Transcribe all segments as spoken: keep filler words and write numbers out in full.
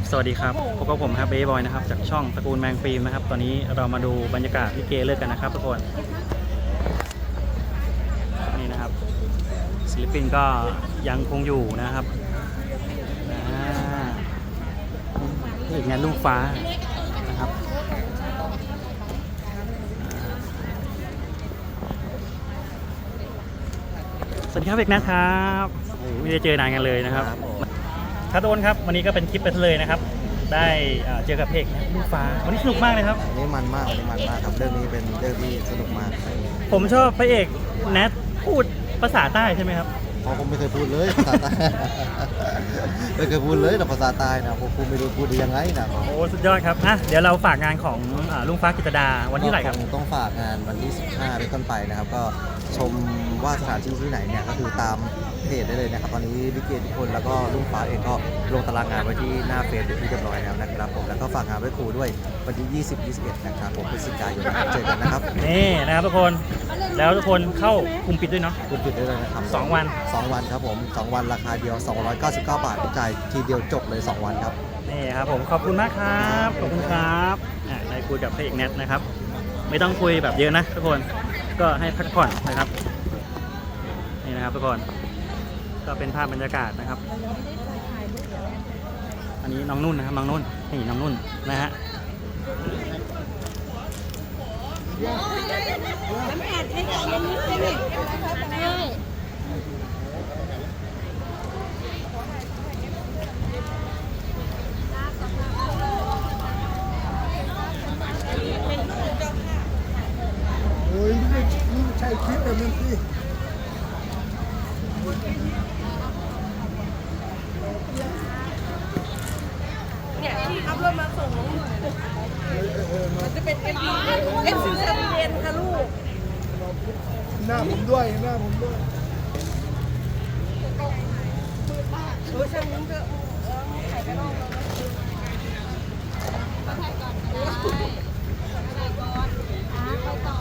สวัสดีครับพบกับผมครับเบย์บอยนะครับจากช่องตระกูลแมงฟิล์มนะครับตอนนี้เรามาดูบรรยากาศลิเกเลิกกันนะครับทุกคนนี่นะครับศิลปินก็ยังคงอยู่นะครับอีกงานลูกฟ้านะครับสวัสดีครับเอกนะครับไม่ได้เจอนานกันเลยนะครับครับทุกคนครับวันนี้ก็เป็นคลิปไปเลยนะครับได้เจอกับเพลงลูกฟ้าวันนี้สนุกมากเลยครับวันนี้มันมากวันนี้มันมากครับเรื่องนี้เป็นเรื่องที่สนุกมากผมชอบพระเอกแนทพูดภาษาใต้ใช่ไหมครับอ๋อผมไม่เคยพูดเลยภาษาใต้ไม่เคยพูดเลยแต่ภาษาใต้นะผมไม่รู้พูดได้ยังไงนะโอ้สุดยอดครับอ่ะเดี๋ยวเราฝากงานของลุงฟ้ากิตดาวันที่ไหนครับต้องฝากงานวันที่สิบห้าเป็นต้นไปนะครับก็ชมว่าสถานที่ที่ไหนเนี่ยก็คือตามเพจได้เลยนะครับตอนนี้ลิเกทุกคนแล้วก็ลุงฟ้าเองก็ลงตารางงานไว้ที่หน้าเฟซเป็นที่เรียบร้อยแล้วนะครับผมแล้วก็ฝากงานไว้ครูด้วยวันที่ยี่สิบ ยี่สิบเอ็ดนะครับผมพฤศจิกายนเจอกันนะครับนี่นะครับทุกคนแล้วทุกคนเข้ากลุ่มปิดด้วยเนาะกลุ่มปิดได้เลยนะครับสองวันสองวันครับผมสองวันราคาเดียวสองร้อยเก้าสิบเก้าบาทจ่ายทีเดียวจบเลยสองวันครับนี่ครับผมขอบคุณมากครับขอบคุณครับอ่าได้คุยกับพระเอกแนทนะครับไม่ต้องคุยแบบเยอะนะทุกคนก็ให้พักผ่อนนะครับนี่นะครับทุกคนก็เป็นภาพบรรยากาศนะครับอันนี้น้องนุ่นนะครับน้องนุ่นนี่น้องนุ่นนะฮะโอ้ยนี่ใช่คลิปแบบนั้นสิเนี่ยที่อัพโหลดมาส่งมันจะเป็นเอ็มพีเอ็มซีเซเว่นค่ะลูกหน้าผมด้วยหน้าผมด้วยโอ้ยช่างมึงเถอะไข่ไปนอกแล้วถ่ายก่อนถ่ายก่อนอ่ะไปต่อ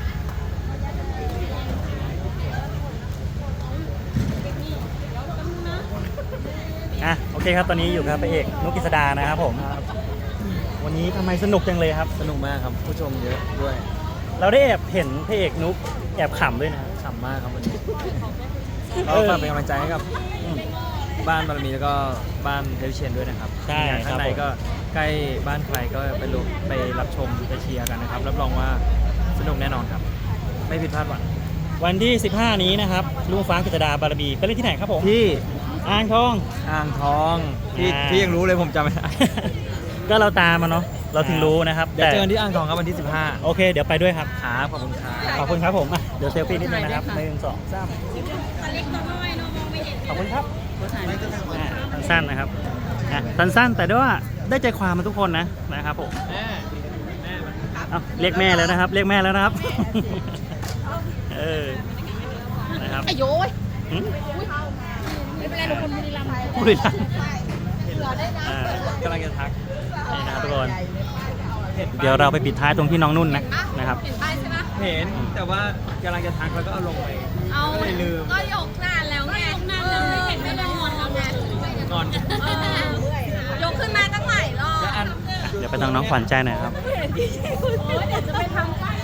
อ่ะโอเคครับตอนนี้อยู่กับพระเอกนุกกิษดานะครับผมวันนี้ทำไมสนุกจังเลยครับสนุกมากครับผู้ชมเยอะด้วยเราได้แอบเห็นพระเอกนุกแอบขำด้วยนะขำมากครับวันนี้ก็ฝากเป็นกำลังใจให้กับบ้านบารมีแล้วก็บ้านเทวิเชียนด้วยนะครับใช่ข้างในก็ใกล้บ้านใครก็ไปลงไปรับชมไปเชียร์กันนะครับรับรองว่าสนุกแน่นอนครับไม่ผิดพลาดหวังวันที่สิบห้านี้นะครับลุงฟ้ากิตดาบารมีไปเล่นที่ไหนครับผมที่อ่างทองอ่างทองที่ที่ยังรู้เลยผมจำไม่ได้ก็เราตามมาเนาะเราถึงรู้นะครับเดี๋ยวเจอกันที่อ่างทองครับวันที่สิบห้าโอเคเดี๋ยวไปด้วยครับครับขอบคุณครับขอบคุณครับผมอ่ะเดี๋ยวเซลฟี่นิดนึงนะครับหนึ่งสองสามขอบคุณครับสั้นๆนะครับสั้นๆแต่ด้วยว่าได้ใจความมาทุกคนนะนะครับผมเอาเรียกแม่แล้วนะครับเรียกแม่แล้วนะครับเออนะครับไอ้โย้ยไม่เป็นไรหนูคนบุรีรัมย์บุรีรัมย์กำลังจะทักนี่นะครับทุกคนเดี๋ยวเราไปปิดท้ายตรงที่น้องนุ่นนะนะครับเห็นป้ายใช่ไหมเห็นแต่ว่ากำลังจะทักแล้วก็เอาลงไปเอาลืมก็ยกนานแล้วไงยกนานแล้วไม่เห็นไม่ได้งอนแล้วไงงอนยกขึ้นมาตั้งหลายรอบเดี๋ยวไปทางน้องขวัญใจหน่อยครับเดี๋ยวจะไปทำป้าย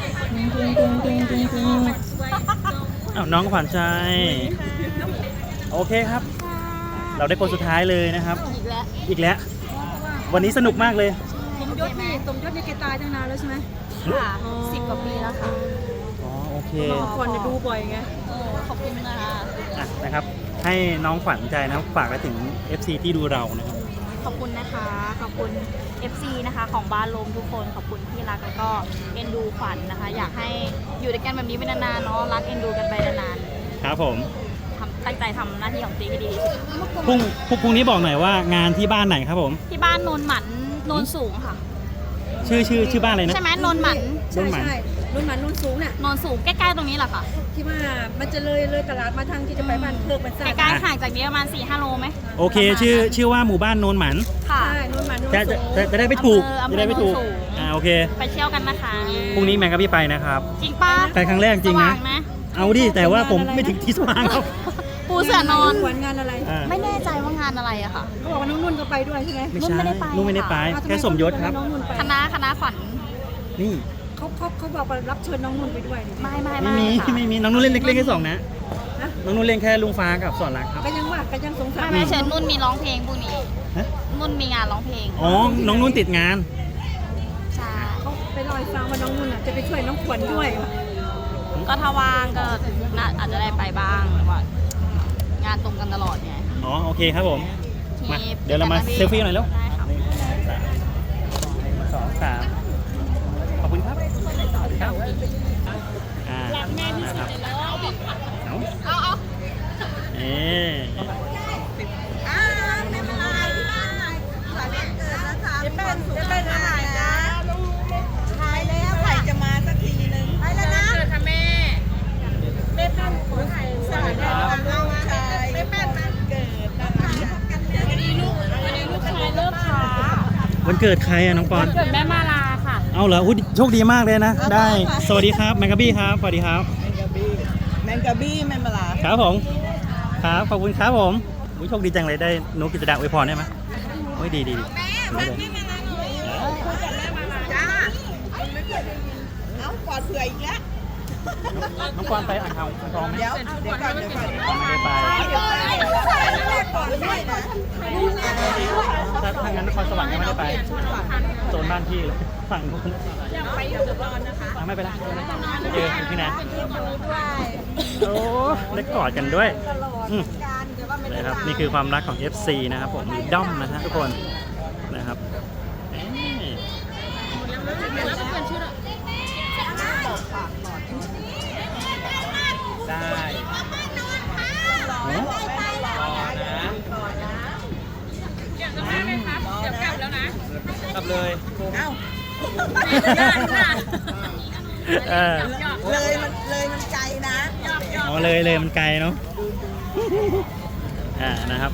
อ้าวน้องขวัญใจโอเคครับเราได้คนสุดท้ายเลยนะครับอีกแล้วอีกแล้ววันนี้สนุกมากเลยสมยศนี่สมยศนี่แกตายตั้งนานแล้วใช่ไหมค่ะสิบกว่าปีแล้วค่ะอ๋อโอเคก่อนจะดูบ่อยไงโอ้ขอบคุณนะคะอ่ะนะครับให้น้องขวัญใจนะฝากไปถึง เอฟ ซี ที่ดูเรานะครับขอบคุณนะคะขอบคุณ เอฟ ซี นะคะของบ้านลมทุกคนขอบคุณที่รักแล้วก็เอ็นดูขวัญนะคะอยากให้อยู่ด้วยกันแบบนี้ไปนานๆเนาะรักเอ็นดูกันไปนานๆครับผมตั้งใจทำหน้าที่ของตีให้ดีที่สุดพรุ่งพรุ่งนี้บอกหน่อยว่างานที่บ้านไหนครับผมที่บ้านโนนหมันโนนสูงค่ะชื่อชื่อชื่อบ้านอะไรนะใช่ไหมโนนหมันโนนหมันโนนหมันโนนสูงเนี่ยโนนสูงใกล้ๆตรงนี้แหละค่ะที่ว่ามันจะเลยเลยตลาดมาทางที่จะไปบ้านเพิกมันใกล้ๆห่างจากนี้ประมาณสี่ห้าโลไหมโอเคชื่อชื่อว่าหมู่บ้านโนนหมันค่ะโนนหมันจะจะจะได้ไม่ถูกจะได้ไม่ถูกอ่าโอเคไปเที่ยวกันนะคะพรุ่งนี้แมงกับพี่ไปนะครับจริงป้าไปครั้งแรกจริงนะเอาดิแต่ว่าผมไม่ถึงที่สว่างครับปูเสือนอนงานอะไรไม่แน่ใจว่างานานอะไรอะค่ะเขาบอกว่าน้องนุ่นก็ไปด้วยใช่ไหมไม่นุ่นใช่ไม่ได้ไปนุ่นไม่ได้ไปอ้าวทำแค่สมยศครับน้องนุ่นไปคณะคณะขวัญนี่เขาเขาเขาบอกว่ารับเชิญน้องนุ่นไปด้วยนี่ไม่ไม่ไม่ไม่มีค่ะไม่มีน้องนุ่นเล่นเล่นแค่สองนะนะน้องนุ่นเล่นแค่ลุงฟ้ากับสอนรักครับก็ยังว่าก็ยังสงสัไม่ยไม่เชิญนุ่นมีร้องเพลงพวกนี้ฮะนุ่นมีงานร้องเพลงอ๋อ น้องนุ่นติดงานใช่เขาไปลอยฟังว่าน้องนุ่นอ่ะจะไปช่วยน้องขวัญด้วยก็ถ้าว่างก็น่าอาจจะได้ไปบ้างแต่ว่างานตรงกันตลอดไงอ๋อ โอเคครับผม มาที่เดี๋ยวเรามาเซลฟี่หน่อยแล้วได้ค่ะหนึ่งสองสามขอบคุณครับครับอ่านะครับเอาเอาเอาเอ๊ะจะเป็นจะเป็นอะไรนะหายแล้วใครจะมาสักทีนึงไปแล้วนะเกิดค่ะแม่แม่แป้นขอถ่ายสายได้วันลูกชายแม่แป้นมันเกิดนะคะวันนี้ลูกวันนี้ลูกชายเลิกค้าวันเกิดใครอะน้องปอนเกิดแม่มาลาค่ะเอาเหรออุ๊ยโชคดีมากเลยนะ ได้ สวัสดีครับแมงกะบี้ครับ สวัสดีครับแมงกะบี้แมงมะลาครับผม ครับ ขอบคุณครับผมอุ๊ยโชคดีจังเลยได้นุกกิจดาอวยพรได้ไหมโอ้ยดีดีดีดีเลยจ้าเอาปอดเผื่ออีกแล้วน้องปอนไปอ่างทองอ่างทองไหมเดี๋ยวเดี๋ยวก่อนเดี๋ยวก่อนไม่ได้ไปเดี๋ยวก่อนเดี๋ยวก่อนเดี๋ยวก่อนด้วยนะถ้าถ้างั้นนครสวรรค์ก็ไม่ได้ไปโซนบ้านพี่เลยฝั่งนู้นไปอยู่ตอนนะคะไม่เป็นไรเจอที่ไหนโอ้ได้กอดกันด้วยอืมนะครับนี่คือความรักของ เอฟ ซี นะครับผมมีด้อมนะฮะทุกคนนะครับนี่ได้เนอะกลับเลยเอ้าเออเลยมันเลยมันไกลนะอ๋อเลยเลยมันไกลเนาะอ่านะครับ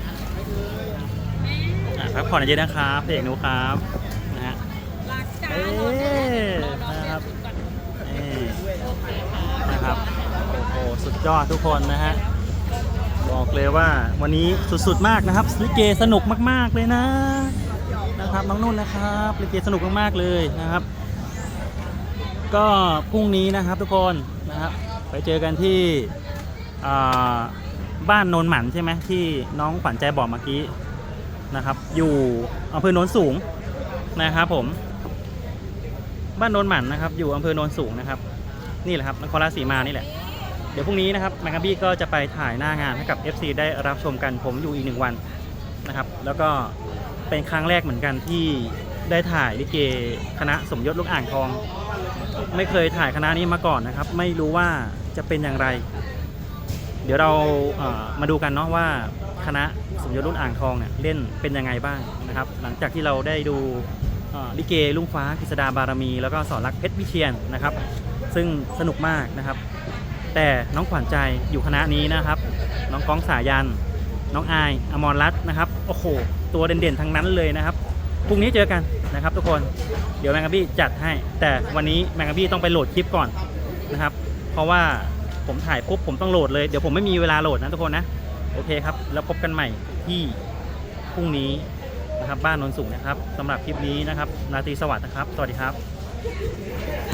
อ่าพักผ่อนเยอะๆนะครับเพลงหนูครับนะฮะเอ๊ะนะครับนี่นะครับโอ้โหสุดยอดทุกคนนะฮะบอกเลยว่าวันนี้สุดๆมากนะครับลิเกสนุกมากๆเลยนะนะครับน้องนุ่นนะครับลิเกสนุกมากๆเลยนะครับ ก็พรุ่งนี้นะครับทุกคนนะครับไปเจอกันที่อ่าบ้านโนนหมันใช่ไหมที่น้องขวัญใจบอกเมื่อกี้นะครับอยู่อำเภอโนนสูงนะครับผมบ้านโนนหมันนะครับอยู่อำเภอโนนสูงนะครับนี่แหละครับนครราชสีมานี่แหละเดี๋ยวพรุ่งนี้นะครับแมงกะบี้ก็จะไปถ่ายหน้างานให้กับ เอฟ ซี ได้รับชมกันผมอยู่อีกหนึ่งวันนะครับแล้วก็เป็นครั้งแรกเหมือนกันที่ได้ถ่ายลิเกคณะสมยศลูกอ่างทองไม่เคยถ่ายคณะนี้มาก่อนนะครับไม่รู้ว่าจะเป็นอย่างไรเดี๋ยวเราเอ่อมาดูกันเนาะว่าคณะสมยศรุ่นอ่างทองเนี่ยเล่นเป็นยังไงบ้างนะครับหลังจากที่เราได้ดูเอ่อลิเกลุงฟ้ากฤษดาบารมีแล้วก็สอนรักเพชรวิเชียรนะครับซึ่งสนุกมากนะครับแต่น้องขวัญใจอยู่คณะนี้นะครับน้องก้องสายันน้องอายอมรรัตน์นะครับโอ้โหตัวเด่นๆทั้งนั้นเลยนะครับพรุ่งนี้เจอกันนะครับทุกคนเดี๋ยวแมงกะบี้จัดให้แต่วันนี้แมงกะบี้ต้องไปโหลดคลิปก่อนนะครับเพราะว่าผมถ่ายปุ๊บผมต้องโหลดเลยเดี๋ยวผมไม่มีเวลาโหลดนะทุกคนนะโอเคครับแล้วพบกันใหม่ที่พรุ่งนี้นะครับบ้านโนนสูงนะครับสำหรับคลิปนี้นะครับราตรีสวัสดิ์นะครับสวัสดีครับ